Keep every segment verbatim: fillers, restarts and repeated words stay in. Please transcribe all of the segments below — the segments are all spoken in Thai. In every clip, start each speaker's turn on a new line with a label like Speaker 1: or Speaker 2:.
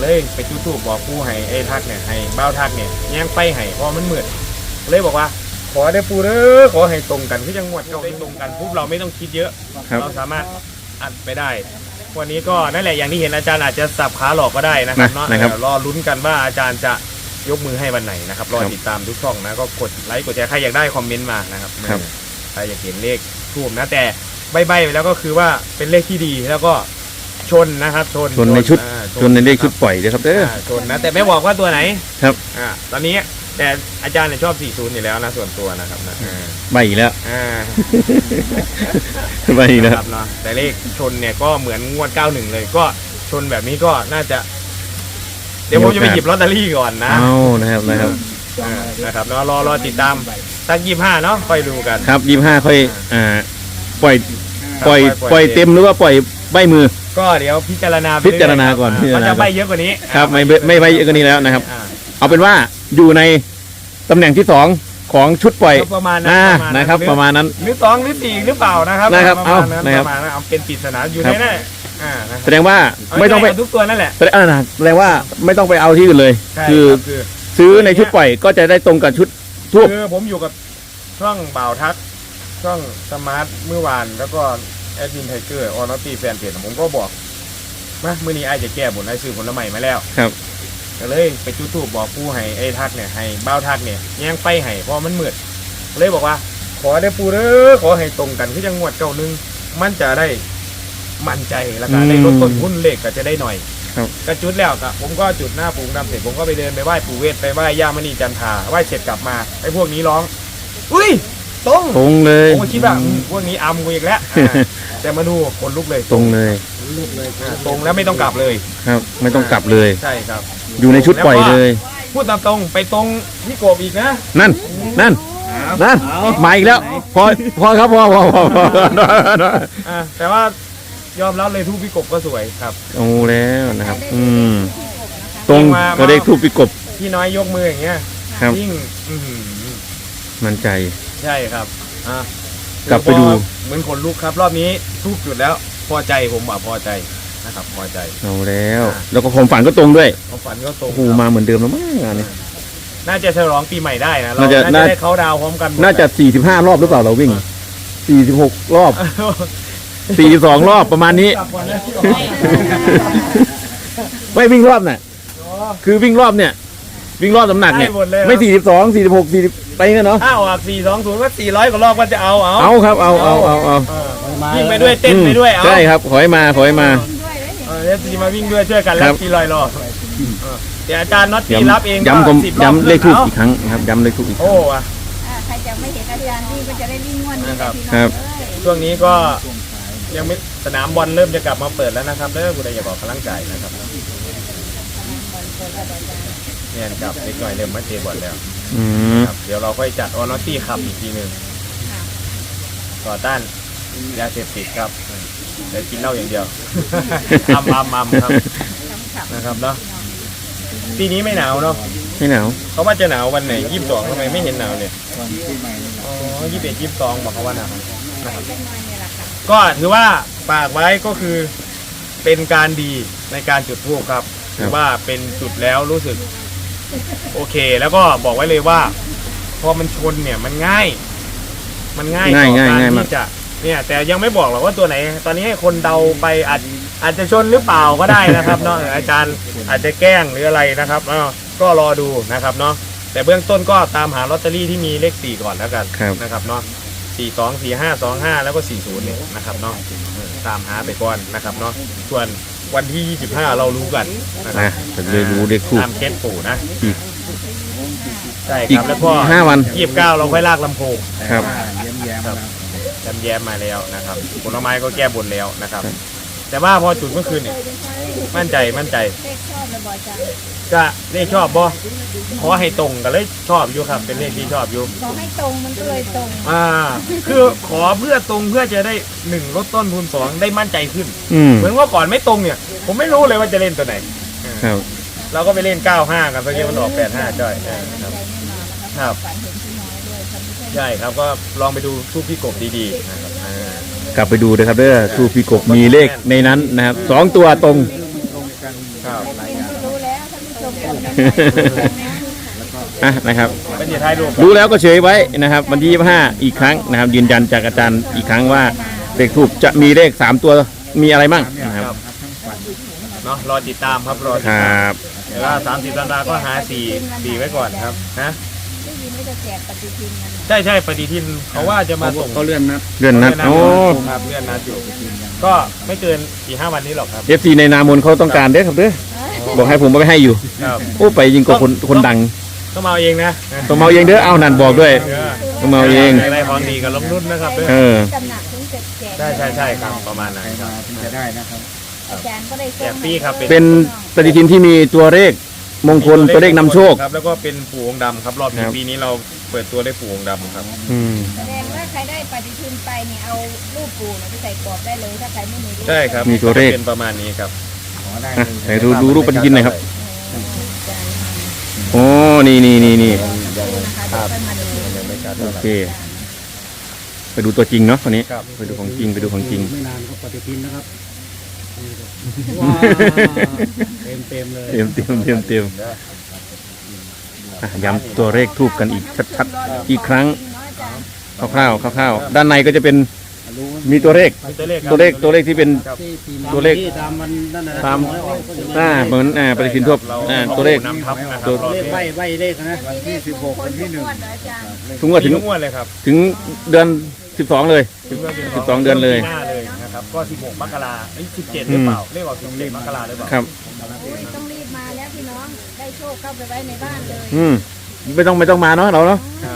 Speaker 1: เลยไปจุดธูปบอกปู่ให้ไอ้ทักเนี่ยให้เบ้าทักเนี่ยแย่งไปให้เพราะมันมืดเลยบอกว่าขอได้ปู่เด้อขอให้ตรงกันที่จังหวัดเราได้ตรงกันปุ๊บเราไม่ต้องคิดเยอะเราสามารถอัดไปได้วันนี้ก็นั่นแหละอย่างที่เห็นอาจารย์อาจจะสับขาหลอกก็ได้นะครับเนาะรอลุ้นกันว่าอาจารย์จะยกมือให้วันไหนนะครับรอติดตามทุกช่องนะก็กดไลค์กดแชร์ใครอยากได้คอมเมนต์มานะครับใครอยากเห็นเลขทูบนะแต่ใบใบไปแล้วก็คือว่าเป็นเลขที่ดีแล้วก็ชนนะครับชน
Speaker 2: ชนในชุดชนในเลขชุดปล่อยเลยครับเด้อ
Speaker 1: ชนนะแต่ไม่บอกว่าตัวไหน
Speaker 2: ครับ
Speaker 1: อ่าตอนนี้แต่อาจารย์เนี่ยชอบสี่สิบอยู่แล้วนะส่วนตัวนะครับนะ
Speaker 2: ใบอีกแล้ว
Speaker 1: อ่า
Speaker 2: ใบอีกแล้ว
Speaker 1: เนาะแต่เลขชนเนี่ยก็เหมือนงวดเก้าสิบเอ็ดเลยก็ชนแบบนี้ก็น่าจะเดี๋ยวผมจะไปหยิบลอตเตอรี่ก่อนนะ
Speaker 2: เอานะครับนะครับ
Speaker 1: นะครับเนาะรอรอติดตามสักยี่สิบห้าเนาะค่อยดูกัน
Speaker 2: ครับยี่สิบห้าค่อยอ่าปล่อยปล่อยปล่อยเต็มหรือว่าปล่อยใบมือ
Speaker 1: ก็เดี๋ยวพิจารณา
Speaker 2: พิจารณาก่อน
Speaker 1: มันจะใบเยอะกว่านี้
Speaker 2: ครับไม่ไม่ใบเยอะกว่านี้แล้วนะครับเอาเป็นว่าอยู่ในตำแหน่งที่สองของชุดปล่อย
Speaker 1: ประมาณนั้น
Speaker 2: นะครับประมาณนั้น
Speaker 1: หรือสองหรือสี่หรือเปล่านะครับ
Speaker 2: นะครับเอา
Speaker 1: นะครับเอาเป็นปริศนาอยู่ในนั้น
Speaker 2: แสดงว่าไม่ต้องไป
Speaker 1: ทุกตัวนั่นแหละ
Speaker 2: แสดงแสดงว่าไม่ต้องไปเอาที่อื่นเลยคือซื้อในชุดปล่อยก็จะได้ตรงกับชุดทุก
Speaker 1: คือผมอยู่กับช่องบ่าวทักช่องสมาร์ทเมื่อวานแล้วก็แอดมินไทเกอร์ออนอตตี้แฟนเพจผมก็บอกนะเมื่อนี้ไอจะแก้บนไอซื้อผลไม้มาแล้ว
Speaker 2: ครับ
Speaker 1: ก็เลยไปจุดธูปบอกปู่ให้ไอ้ทักเนี่ยให้เบ้าทักเนี่ยแย่งไปให้เพราะมันมืดเลยบอกว่าขอได้ปู่เด้อขอให้ตรงกันที่จังหวัดเก้าหนึ่งมันจะได้มั่นใจแล้วก็ได้ลดต้นทุนเลขก็จะได้หน่อยก็จุดแล้วก็ผมก็จุดหน้าปู่ดำเสร็จผมก็ไปเดินไปไหว้ปู่เวทไปไหว้ย่ามณีจันทราไหว้เสร็จกลับมาไอ้พวกนี้ร้องอุ้ยตรง
Speaker 2: ตรงเลย
Speaker 1: ผมก็คิดว่าพวกนี้อำกูอีกแล้วแต่มาดูคนลุกเลย
Speaker 2: ตรงเลย
Speaker 1: ตรงแล้วไม่ต้องกลับเลย
Speaker 2: ครับไม่ต้องกลับเลย
Speaker 1: ใช่ครับ
Speaker 2: อยู่ในชุดปล่อยเลย
Speaker 1: พูดตามตรงไปตรงพี่กบอีกนะ
Speaker 2: นั่นนั่นนั่นมาอีกแล้วพอพอครับพอพอพอ
Speaker 1: แต่ว่ายอมรับเลยทูบพี่กบก็สวยครับ
Speaker 2: โอ้แล้วนะครับอืมตรงก็ได้ทูบพี่กบ
Speaker 1: พี่น้อยยกมืออย่างเงี้ยยิ่ง
Speaker 2: มั่นใจ
Speaker 1: ใช่ครับอ่ะ
Speaker 2: กลับไปดู
Speaker 1: เหมือนคนลุกครับรอบนี้ทูบจุดแล้วพอใจผมอ่ะพอใจนะครับพอใจ
Speaker 2: เอาแล้วแล้วก็ความฝันก็ตรงด้วย
Speaker 1: ความฝันก็ตรง
Speaker 2: โอ้โหมาเหมือนเดิมแล้วมั้งงานนี้
Speaker 1: น่าจะฉลองปีใหม่ได้นะเราน่าจะได้เขาดาวพร้อมกัน
Speaker 2: น่าจะสี่สิบห้ารอบหรือเปล่าเราวิ่งสี่สิบหกรอบสี่สิบสองรอบประมาณนี้ไม่วิ่งรอบน่ะคือวิ่งรอบเนี่ยวิ่งรอบน้ำหนักเนี่ยไม่สี่สิบสองสี่สิบหกสี่สิบไปกันเนาะ
Speaker 1: ถ้าออกสี่สองศูนย์ก็สี่ร้อยกว่ารอบก็จะเอาเอา
Speaker 2: เอาครับเอาเอาเอาเอา
Speaker 1: วิ่งไปด้วยเต้นไปด้วยเอา
Speaker 2: ใช่ครับขอให้มาขอให้มา
Speaker 1: เอฟซีมาวิ่งด้วยช่วยกันแล้วสี่ร้อยรอบเดี๋ยวอาจารย์น็อตตีรับเอง
Speaker 2: ย้ำย้ำเลขทูบอีกครั้งครับย้ำเลขทูบอีก
Speaker 1: โอ้ว่ะ
Speaker 3: ใครจะไม่เห็นอาจารย์วิ่งก็จะได้วิ่งวันนี้
Speaker 1: ครับครับช่วงนี้ก็ยังไม่สนามบอลเริ่มจะกลับมาเปิดแล้วนะครับเด้อคุณใดอย่าบอกกำลังใจนะครับเนี่ยกับเล็กหน่อยเริ่มมาเตะบอลแล้วเดี๋ยวเราค่อยจัดออนอตตี้ขับอีกทีหนึ่งต่อต้านยาเสพติดครับเดี๋ยวกินเหล้าอย่างเดียวอัมอัมอัมครับนะครับเนาะปีนี้ไม่หนาวเนาะ
Speaker 2: ไม่หนาว
Speaker 1: เขาว่าจะหนาววันไหนยี่สิบสองทำไมไม่เห็นหนาวเลยอ๋อยี่สิบเอ็ดยี่สิบสองบอกเขาว่าหนาวนะครับก็ถือว่าฝากไว้ก็คือเป็นการดีในการจุดธูปครับถือว่าเป็นจุดแล้วรู้สึกโอเคแล้วก็บอกไว้เลยว่าพอมันชนเนี่ยมันง่ายมันง่ายต่อการที่จะเนี่ยแต่ยังไม่บอกหรอกว่าตัวไหนตอนนี้ให้คนเดาไปอาจอาจจะชนหรือเปล่าก็ได้นะครับเนาะอาจารย์อาจจะแกล้งหรืออะไรนะครับก็รอดูนะครับเนาะแต่เบื้องต้นก็ตามหาลอตเตอรี่ที่มีเลขสี่ก่อนแล้วกันนะครับเนาะสี่สองสี่ห้าสองห้าแล้วก็สี่ศูนย์เนี่ยนะครับเนาะตามหาไปก่อนนะครับเนาะส่วนวันที่ยี่สิบห้าเรารู้กันนะครับ
Speaker 2: จะได้รู้เลขคู่
Speaker 1: ตามเคสปู่นะใช่
Speaker 2: ค
Speaker 1: รับแล้วก็
Speaker 2: ห้าวัน
Speaker 1: ยี่สิบเก้าเราค่อยลากลำโพง
Speaker 2: ครับ
Speaker 1: ครับแย้มแย้มมาแล้วนะครับผลไม้ก็แก้บนแล้วนะครับแต่ว่าพอจุดเมื่อคืนเนี่ยมั่นใจมั่นใจก็เลขชอบบ่ขอให้ตรงกันเลยชอบอยู่ครับเป็นเลขที่ชอบอยู่
Speaker 3: ขอให้ตรงมันก็เลยตรง
Speaker 1: อ่าคือขอเพื่อตรงเพื่อจะได้หนึ่งลดต้นทุนสองได้มั่นใจขึ้นเหมือนว่าก่อนไม่ตรงเนี่ยผมไม่รู้เลยว่าจะเล่นตัวไหน
Speaker 2: ครับ
Speaker 1: เราก็ไปเล่นเก้าห้ากันเมื่อกี้มันออกแปดห้าจ้อยครับครับใช่ครับก็ลองไปดูทูบพี่กบดีๆนะครับ
Speaker 2: กลับไปดูนะครับเด้อทูบพี่กบมีเลขในนั้นนะครับสองตัวตรง
Speaker 1: ครับ
Speaker 3: รู้แล้วท่านผู้ชมคนนั้น
Speaker 2: อ่ะนะครับ
Speaker 1: เป็นอย่าทายดู
Speaker 2: รู้แล้วก็เฉยไว้นะครับ วันที่ยี่สิบห้าอีกครั้งนะครับ ยืนยันจากอาจารย์อีกครั้งว่าเลขทูบจะมีเลขสามตัวมีอะไรบ้างนะครับ
Speaker 1: เนาะรอติดตามครับรอติ
Speaker 2: ค
Speaker 1: ด
Speaker 2: ร
Speaker 1: ตามั
Speaker 2: บ
Speaker 1: เดี๋ยวว่าสามสิบธันวาก็หาสี่สี่ไว้ก่อนครับฮะ
Speaker 3: ได้ยินว่าจะแจกปฏิทินกัน
Speaker 1: ใช่ใช่ปฏิทินเขาว่าจะมาส่ง
Speaker 4: เขาเลื่อนนัด
Speaker 2: เลื่อนนัดโอ้
Speaker 1: ครับเลื่อนนัดอยู่ก็ไม่เกินสี่ห้าวันนี้หรอกครับ
Speaker 2: เอฟซีในนามนเขาต้องการเด้อครับเด้อบอกให้ผมเอาไปให้อยู่
Speaker 1: ครับ
Speaker 2: โอ้ไปยิงกว่าคนคนดัง
Speaker 1: ต้องมาเอาเองนะ
Speaker 2: ต้องมาเอาเองเด้อเอานั่นบอกด้วย
Speaker 1: เออ
Speaker 2: ต้องมาเอาเอง
Speaker 1: อะไรของดีกับล้มนุ่นนะครับเด้อ
Speaker 2: เออ
Speaker 3: ตำหนักถึงจะแจก
Speaker 1: ใช่ใช่ใช่ครับประมาณนั้นครับ
Speaker 4: จะได้นะครับ
Speaker 3: อาจารย์ก็ได้
Speaker 1: แจกฟรีครับ
Speaker 2: เป็นปฏิทินที่มีตัวเลขมงคลตัวเลขนำโชค
Speaker 1: ครับแล้วก็เป็นปู่องค์ดำครับรอบนี้
Speaker 2: ครับ
Speaker 1: ปีนี้เราเปิดตัวได้ปู่องค์ดำครับ
Speaker 2: อืม
Speaker 3: แสดงว่าใครได้ปฏิทินไปเนี่ยเอารูปปู่เนี่ยไปใส่กรอบได้เลยถ้าใครไม่มีรูป
Speaker 1: ใช่ครับ
Speaker 2: มีตัวเลข
Speaker 1: เป็นประมาณนี้ครับ
Speaker 4: ขอได้
Speaker 2: อ่ะ
Speaker 4: เลย
Speaker 2: ไหนดูดูรูปปฏิทินหน่อยครับ โอ้นี่นี่นี่นี่
Speaker 3: นะคะเดี๋ยวค่อยมาดู
Speaker 1: ยังไม่ชัด
Speaker 2: โอ
Speaker 1: เท่าไหร่
Speaker 2: เค ไปดูตัวจริงเนาะคนนี้
Speaker 1: ครับ
Speaker 2: ไปดูของจริงไปดูของจริง
Speaker 4: ไม่นานก็ปฏิทินนะครับว้าวเต็มเต็มเลย
Speaker 2: เตรียมเตรียมเตรียมเตรียมอ่ะย้ำตัวเลขทูบกันอีกชัดๆอีกครั้งคร่าวๆคร่าวๆด้านในก็จะเป็นมีตัวเลข
Speaker 1: มีตัวเลขครับ
Speaker 2: ตัวเลขตัวเลขที่เป็น
Speaker 1: ครับ
Speaker 2: ตัวเลข
Speaker 4: ที่ตามมันนั่นนะ
Speaker 2: ตามอ่าเหมือนอ่าปฏิทินทั่ว
Speaker 1: เรา
Speaker 2: อ่าตัวเลข
Speaker 1: นำทับนะครับ
Speaker 2: ตัว
Speaker 1: รอบ
Speaker 4: เลข
Speaker 1: นี้
Speaker 4: ใบใบเลขนะวันที่สิบหกวันที่หนึ่ง
Speaker 3: อาจารย์
Speaker 2: ถึงว่าถึง
Speaker 1: มีทุกงวดเลยครับ
Speaker 2: ถึงเดือนสิบสองเลย สิบสองเดือนเลย
Speaker 1: หน้าเลยนะครับก็สิบหกมกราเอ้ยสิบเจ็ดหรือเปล่าเลขออกสิบเจ็ดมกราหรือเปล่า
Speaker 2: ครับ
Speaker 3: อุ้ยต้องรีบมาแล้วพี่น้องได้โชคเข้าไปไว้ในบ้านเลย
Speaker 2: อืมไม่ต้องไม่ต้องมาเนาะเราเนาะ
Speaker 1: ครับ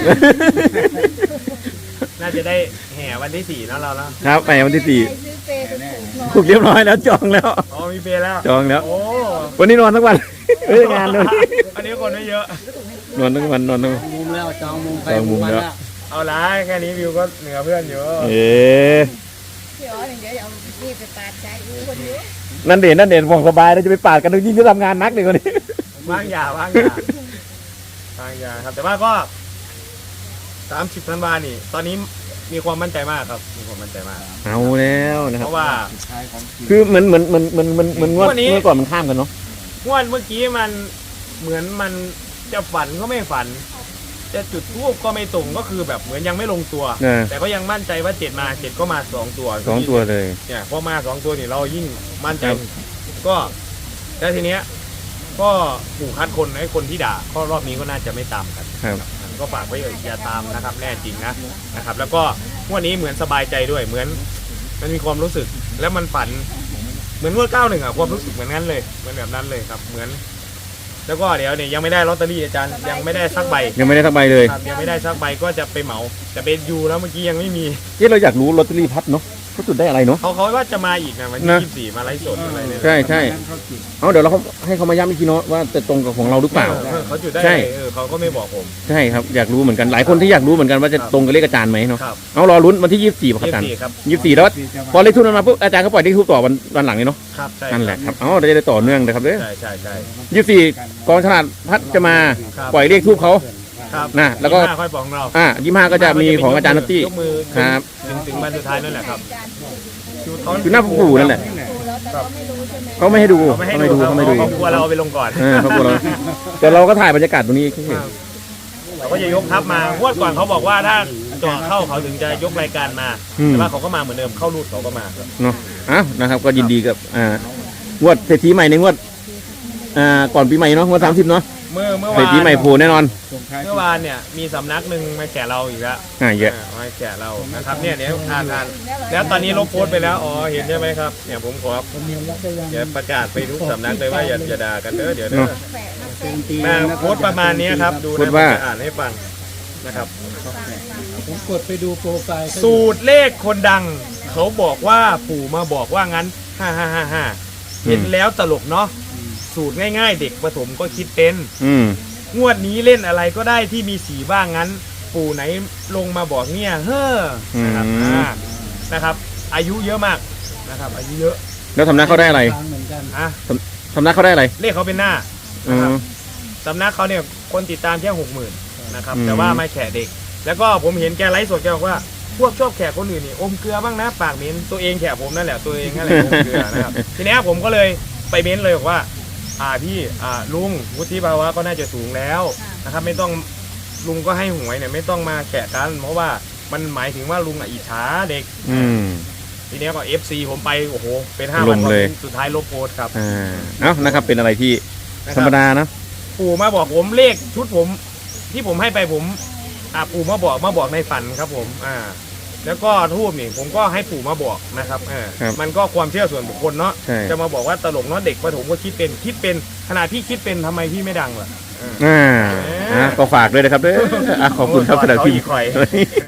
Speaker 1: น่าจะได้แห่วันที่สี่เนอะเราแล้ว
Speaker 2: ครับไปวันที่สี่
Speaker 3: ใครซื้อเปรย์ถูกๆ
Speaker 2: ถูกเรียบร้อยแล้วจองแล้ว
Speaker 1: อ๋อมีเปย์แล้ว
Speaker 2: จองแล้ว
Speaker 1: โอ้
Speaker 2: วันนี้นอนทั้งวันเฮ้ยงานเลย
Speaker 1: อันนี้คนไม่เยอะ
Speaker 2: นอนทั้งวันนอนทั้งวัน
Speaker 4: มุมแล้วจองมุมไป
Speaker 2: จองมุมแล้ว
Speaker 1: เอาละแค่นี้วิวก็เหนือเพื่อนอยู่
Speaker 2: เอ๊ะ
Speaker 3: พี่อ๋อเดี๋ยวเอานี่ไปปาดใจอูคนเยอะ
Speaker 2: นั่นเด่นนั่นเด่นบอกสบายแล้วจะไปปาดกันยิ่งจะทำงานนักเลยคนนี้
Speaker 1: ว่างยาว่างยาว่างยาครับ แต่ว่าก็สามสิบธันวานี่ ตอนนี้มีความมั่นใจมากครับ มีความมั่นใจมาก
Speaker 2: เอาแล้วนะค
Speaker 1: เพ
Speaker 2: รับ
Speaker 1: ราะว่า
Speaker 4: ท้ายของจริง
Speaker 2: คือเหมือนเหมือนเหมือนเหมือนเหมือนเหมือนงวด
Speaker 1: วันนี้
Speaker 2: เมื่อก่อนมันข้ามกันเนาะ
Speaker 1: งวดเมื่อกี้มันเหมือนมันจะฝันก็ไม่ฝัน จะจุดทูบก็ไม่ตรงก็คือแบบเหมือนยังไม่ลงตัว
Speaker 2: เออ
Speaker 1: แต่ก็ยังมั่นใจว่าเจ็ดมาเจ็ดก็มาสองตัว
Speaker 2: สองตัวเลย
Speaker 1: เนี่ยพอมาสองตัวนี่เรายิ่งมั่นใจ
Speaker 2: ครับ
Speaker 1: ก็แล้วทีเนี้ยก็ผูกคัดคนให้คนที่ด่าก็รอบนี้ก็น่าจะไม่ตามกัน
Speaker 2: ครับ
Speaker 1: ก็ฝากไว้อย่าตามนะครับแน่จริงนะนะครับ แล้วก็งวดนี้เหมือนสบายใจด้วยเหมือนมันมีความรู้สึกแล้วมันฝัน เหมือนงวดเก้าหนึ่งอะความรู้สึกเหมือนนั้นเลยเหมือนแบบนั้นเลยครับ เหมือน แล้วก็เดี๋ยวเนี่ยยังไม่ได้ลอตเตอรี่อาจารย์ยังไม่ได้สักใบ
Speaker 2: ยังไม่ได้ทักใบเลย
Speaker 1: ครับยังไม่ได้สักใบก็จะไปเหมาแต่เป็นยูแล้วเมื่อกี้ยังไม่มี
Speaker 2: เอ๊ะเราอยากรู้ลอตเตอรี่พัดเนาะเขาจุดได้อะไรเนาะ
Speaker 1: เขาเขาว่าจะมาอีกนะวันที่
Speaker 2: นะ
Speaker 1: ยี่สิบสี่มาไลฟ์สดอะไรเนี่ย
Speaker 2: ใช่ใช่เอาเดี๋ยวเราเขาให้เขามาย้ำอีกทีเนาะว่าจะตรงกับของเราหรือเปล่า
Speaker 1: ออเขาจุดได้
Speaker 2: ใช่
Speaker 1: ไงเออเขาก็ไม่บอกผม
Speaker 2: ใช่ครับอยากรู้เหมือนกันหลายคนที่อยากรู้เหมือนกันว่าจะตรงกับเลขอาจารย์ไหมเนาะ
Speaker 1: ครับ
Speaker 2: เอารอลุ้นวันที่ยี่สิบสี่ป่ะครับ
Speaker 1: ยี่
Speaker 2: อา
Speaker 1: สิ
Speaker 2: จาร
Speaker 1: บ
Speaker 2: ย์
Speaker 1: สี่ครับ
Speaker 2: ยี่สิบสี่แล้วพอเลขทูบมาปุ๊บอาจารย์ก็ปล่อยเลขทูบต่อวันวันหลังเลยเนาะ
Speaker 1: ครับใช่
Speaker 2: นั่นแหละครับเอาเราจะได้ต่อเนื่องนะครับเด้อ
Speaker 1: ใช่ใช่ใช่
Speaker 2: ยี่สิบสี่กองฉลาดพัดจะมา
Speaker 1: ครับ
Speaker 2: ปล่อยเลขทูบเขา
Speaker 1: ครับ
Speaker 2: นะแล้วก็
Speaker 1: ยี่สิบห้าค่อยบอกของเรา
Speaker 2: อ่ายี่ห้าก็จะมีของอาจารย์นัตตี้
Speaker 1: ยกมือ
Speaker 2: ครับ
Speaker 1: ถึงถึงวันสุดท้ายนั่นแหละครับ
Speaker 2: คือหน้าปู่นั่นแหละ
Speaker 3: ดูแล้วแต่ก็ไม่รู้ใช่ไหม
Speaker 2: เขาไม่ให้ดู
Speaker 1: เขาไม่ให้ดู
Speaker 2: เขาไม่ให้ดู
Speaker 1: เขากลัวเราเอาไปลงก่อน
Speaker 2: เออเขากลัวเราแต่เราก็ถ่ายบรรยากาศตรงนี้แค่
Speaker 1: ครับเราก็จะยกทัพมางวดก่อนเขาบอกว่าถ้าเจาะเข้าเขาถึงจะยกรายการมา
Speaker 2: อืม
Speaker 1: แต่ว่าเขาก็มาเหมือนเดิมเข้ารูดเขาก็มาครับ
Speaker 2: เนาะอ้าวนะครับก็ยินดีกับอ่างวดเศรษฐีใหม่ในงวดอ่าก่อนปีใหม่เนาะงวดสามสิบเนาะ
Speaker 1: เมื่อเมื่อ
Speaker 2: เศร
Speaker 1: วา
Speaker 2: ษ
Speaker 1: น
Speaker 2: ฐีใหม่โผล่แน่นอน
Speaker 4: ส่งท้าย
Speaker 1: เมื่อวานเนี่ยมีสำนักหนึ่งมาแฉเราอีกแล้ว
Speaker 2: อ่าเยอะ
Speaker 1: อ่ามาแฉเรานะครับเนี่ยเดี๋ยวอ่านอ่านแล้วตอนนี้ลบโพสต์ไปแล้วอ๋อเห็นใช่ไหมครับเนี่ยผมขอเดี๋ยวประกาศไปทุกสำนักเลยว่าอย่าอย่าด่ากันเด้อเดี๋ยวเด้อ
Speaker 3: แปะมาแปะ
Speaker 4: ตี
Speaker 1: มาโพสต์ประมาณนี้ครับดู
Speaker 2: พู
Speaker 1: นะ
Speaker 2: ด
Speaker 1: ผม
Speaker 2: ว่า
Speaker 1: จะอ่านให้ฟังนะครับ
Speaker 4: ผมกดไปดูโปรไฟล์
Speaker 1: สูตรเลขคนดัง เขาบอกว่าปู่มาบอกว่างั้นฮ่าฮ่าฮ่าฮ่าเห็นแล้วตลกเนาะสูตรง่ายๆ เด็กประถมก็คิดเป็น
Speaker 2: อืม
Speaker 1: งวดนี้เล่นอะไรก็ได้ที่มีสีบ้างงั้น ปู่ไหนลงมาบอกเนี่ยเฮ้อนะครับ
Speaker 2: อืม
Speaker 1: อ่านะครับ อายุเยอะมากนะครับ อายุเยอะ
Speaker 2: แล้วสำนักเขาได้อะไร
Speaker 4: เหมือนกัน
Speaker 1: อ่ะ
Speaker 2: สำนักเขาได้อะไร
Speaker 1: เลขเขาเป็นหน้า
Speaker 2: อื
Speaker 1: นะครับ
Speaker 2: ม
Speaker 1: สำนักเขาเนี่ยคนติดตามแค่หกหมื่นนะครับ
Speaker 2: อืม
Speaker 1: แต่ว่ามาแขกเด็ก แล้วก็ผมเห็นแกไลฟ์สดแกบอกว่าพวกชอบแขกคนอื่นนี่อมเกลือบ้างนะปากเหม็นตัวเองแขกผมนั่นแหละตัวเองนั่นแหละอมเกลือนะครับ ทีนี้ผมก็เลยไปเม้นเลยบอกว่าอ่าพี่อ่าลุงวุฒิภาวะก็น่าจะสูงแล้วนะครับไม่ต้องลุงก็ให้หวยเนี่ยไม่ต้องมาแกะกันเพราะว่ามันหมายถึงว่าลุงอ่ะอิจฉาเด็ก
Speaker 2: อืม
Speaker 1: ทีเนี้ยก็ เอฟ ซี ผมไปโอ้โหเป็นห้า
Speaker 2: ล
Speaker 1: พัน
Speaker 2: ง
Speaker 1: คอม
Speaker 2: เล
Speaker 1: เม
Speaker 2: ย
Speaker 1: นต์สุดท้ายลบโพสต์ครับ
Speaker 2: อ่าเอ้านะครับเป็นอะไรที่
Speaker 1: นะ
Speaker 2: ธ
Speaker 1: ค
Speaker 2: ร
Speaker 1: บ
Speaker 2: รมดานะ
Speaker 1: ปู่มาบอกผมเลขชุดผมที่ผมให้ไปผมอ่าปู่มาบอกมาบอกในฝันครับผมอ่าแล้วก็ทูบนี่ผมก็ให้ปู่มาบอกนะครับเออ
Speaker 2: ครับ
Speaker 1: มันก็ความเชื่อส่วนบุคคลเนาะ
Speaker 2: ใช่
Speaker 1: จะมาบอกว่าตลกเนาะเด็กประถมก็คิดเป็นคิดเป็นขนาดพี่คิดเป็นทำไมพี่ไม่ดังล่ะ
Speaker 2: อ่าอ่าก็ฝากด้วยนะครับเด้ออ่ะขอบคุณครับ
Speaker 1: โอ้
Speaker 2: สำหรับ
Speaker 1: เขา
Speaker 2: ที่
Speaker 1: อีกใคร